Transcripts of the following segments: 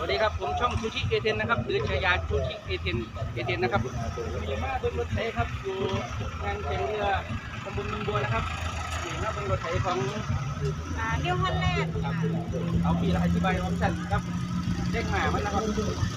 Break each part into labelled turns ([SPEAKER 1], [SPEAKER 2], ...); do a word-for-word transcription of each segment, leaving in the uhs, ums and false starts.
[SPEAKER 1] ดีครับผมช่องชูชิเอเทนนะครับหรือฉายาชูชิเอเทนเอเทนนะครับมีมาบนรถไถครับอยู่งานแข่งเรือตำบลเมืองบัวนะครับอยู่หน้าบนรถไถของ
[SPEAKER 2] เรียวฮอลแลนด์ค่ะ
[SPEAKER 1] เอาปีละอธิบายออปชั่นครับเด้งหมามันนะครับ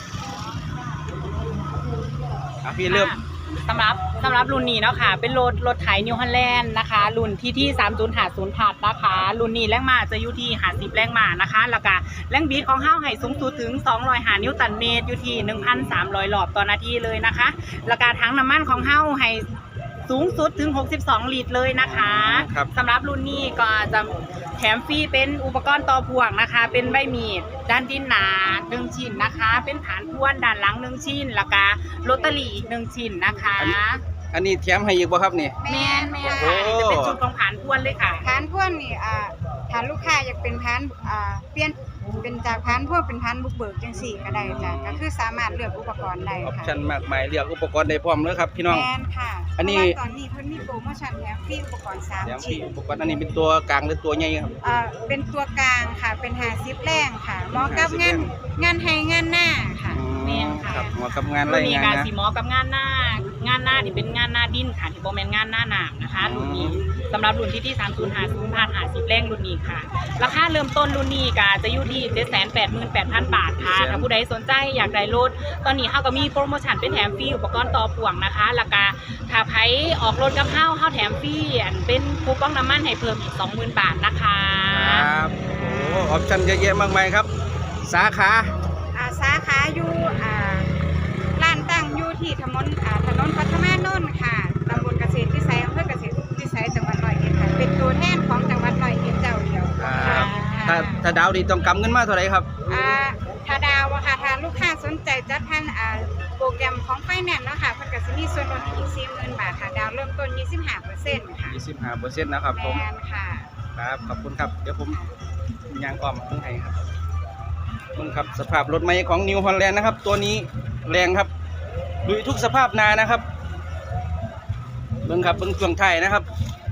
[SPEAKER 1] อ่ะพี่เริ่ม
[SPEAKER 3] สำหรับสำหรับรุ่นนี้เนาะค่ะเป็นรถรถไถนิวฮอลแลนด์นะคะรุ่นที่ที่สามศูนย์ห้าศูนย์ถัดนะคะรุ่นนี้แรงม้าจะอยู่ที่ห้าสิบแรงม้านะคะแล้วก็แรงบิดของเฮาให้สูงสุดถึงสองร้อยห้านิวตันเมตรอยู่ที่ หนึ่งพันสามร้อย รอบต่อนาทีเลยนะคะแล้วก็ถังน้ำมันของเฮาให้สูงสุดถึงหกสิบสองลิตรเลยนะคะสำหรับรุ่นนี้ก็จะแถมฟรีเป็นอุปกรณ์ต่อพ่วงนะคะเป็นใบมีดด้านดินหนาหนึ่งชิ้นนะคะเป็นฐานพ่วนด้านหลังหนึ่งชิ้นแล้วก็โรตารี่อีกหนึ่งชิ้นนะคะ
[SPEAKER 1] อันนี้แถมให้อีกบ่ครับนี่
[SPEAKER 3] แม่แม่ค่ะนี่จะเป็นชุดของฐานพ่วนเลยค่ะ
[SPEAKER 2] พานพ่วนนี่อ่าฐานลูกค้าอยากเป็นพานอ่าเปลี่ยนเป็นจากพานพ่วนเป็นพานบุกเบิกจังสี่ก็ได้จ้ะก็คือสามารถเลือกอุปกรณ์ได้
[SPEAKER 1] ออป
[SPEAKER 2] ค่ะ
[SPEAKER 1] ชั่นมากมายเลือกอุปกรณ์ได้พร้อมเลยครับพี่น้อง
[SPEAKER 2] แม่นค่ะ
[SPEAKER 1] อันนี้
[SPEAKER 2] ตอนนี้เพิ่นมีโปรโมชั่นแถมฟรีอุปกรณ์สามชิ้น
[SPEAKER 1] อุปกรณ์อันนี้เป็นตัวกลางหรือตัวใหญ่ครับ
[SPEAKER 2] อ่าเป็นตัวกลางค่ะเป็นห้าสิบแรงค่ะเหมาะกับงานงานให้งานหน้าค่ะ
[SPEAKER 3] แม่นค่ะ
[SPEAKER 1] เหมาะกับงานไร
[SPEAKER 3] งาน
[SPEAKER 1] งาน
[SPEAKER 3] นะสีหมอกับงานหน้างานหน้าที่เป็นงานหน้าดินค่ะที่โบแมนงานหน้าหนามนะคะรุ่นนี้สำหรับรุ่นที่ที่สามศูนย์ห้าศูนย์ผ่านหาสิบแรงรุ่นนี้ค่ะราคาเริ่มต้นรุ่นนี้ก็จะอยู่ที่เจ็ดแสนแปดหมื่นแปดพันบาทค่ะถ้าผู้ใดสนใจอยากได้รถตอนนี้เฮาก็มีโปรโมชั่นเป็นแถมฟรีอุปกรณ์ต่อพ่วงนะคะแล้วก็ถ้าไผออกรถกับเฮาเฮาแถมฟรีเป็นคูปองน้ำมันให้เพิ่มอีก สองหมื่น บาทนะคะ
[SPEAKER 1] ครับโอ้ออปชั่นเยอะแยะมากมายครับสาขา
[SPEAKER 2] อ่าสาขาอยู่อ่าร้านตั้งอยู่ที่ถนนอ่าถนนปัทมานนท์ค่ะตำบลเกษตรวิสัยอำเภอเกษตรวิสัยจังหวัดร้อยเอ็ดค่ะเป็นตัวแทนของจังหวัดร้อยเอ็ดเจ้าเดียว
[SPEAKER 1] ครับถ้าถ้าดาวดีต้องกำเงินมาเท่าไหร่ครับ
[SPEAKER 2] อ่าถ้าดาวอะค่ะถ้าลูกค้าสนใจจัดทันอ่าโปรแกรมของไฟแนนซ์เนาะค่ะเพิ่นก็สิมีส่วนลดอีก สี่หมื่น บาทค่ะดาวเริ่มต้น ยี่สิบห้าเปอร์เซ็นต์ ค่ะ
[SPEAKER 1] ยี่สิบห้าเปอร์เซ็นต์ นะครับผม
[SPEAKER 2] แม่นค่ะ
[SPEAKER 1] ครับขอบคุณครับเดี๋ยวผมยางอ้อมข้างในครับมึงครับสภาพรถใหม่ของนิวฮอลแลนด์นะครับตัวนี้แรงครับลุยทุกสภาพนานะครับเบิ้งครับเบิ้งช่วงไทยนะครับ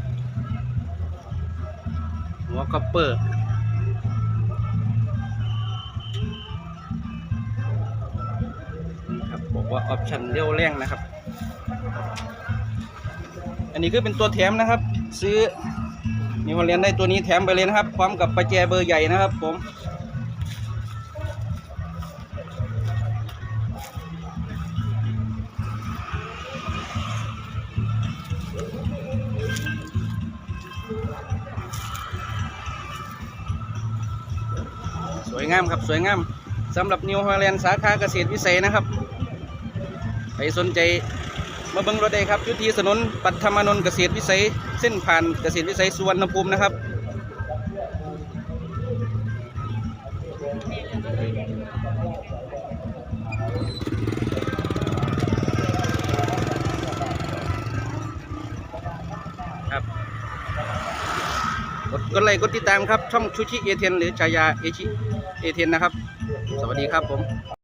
[SPEAKER 1] หัวคอปเปอร์ครับบอกว่าออปชั่นเร็วแรงนะครับอันนี้คือเป็นตัวแถมนะครับซื้อนิวฮอลแลนด์ได้ตัวนี้แถมไปเลยนะครับพร้อมกับประแจเบอร์ใหญ่นะครับผมสวยงามครับสวยงามสำหรับนิวฮอลแลนด์สาขาเกษตรวิสัยนะครับใครสนใจมาเบิ่งรถได้ครับอยู่ที่ถนนปัทมานนท์เกษตรวิสัยเส้นผ่านเกษตรวิสัยสุวรรณภูมินะครับครับกดกดไลค์กดติดตามครับช่องชูชิเอเทนหรือฉายาเอชิเอเทนนะครับสวัสดีครับผม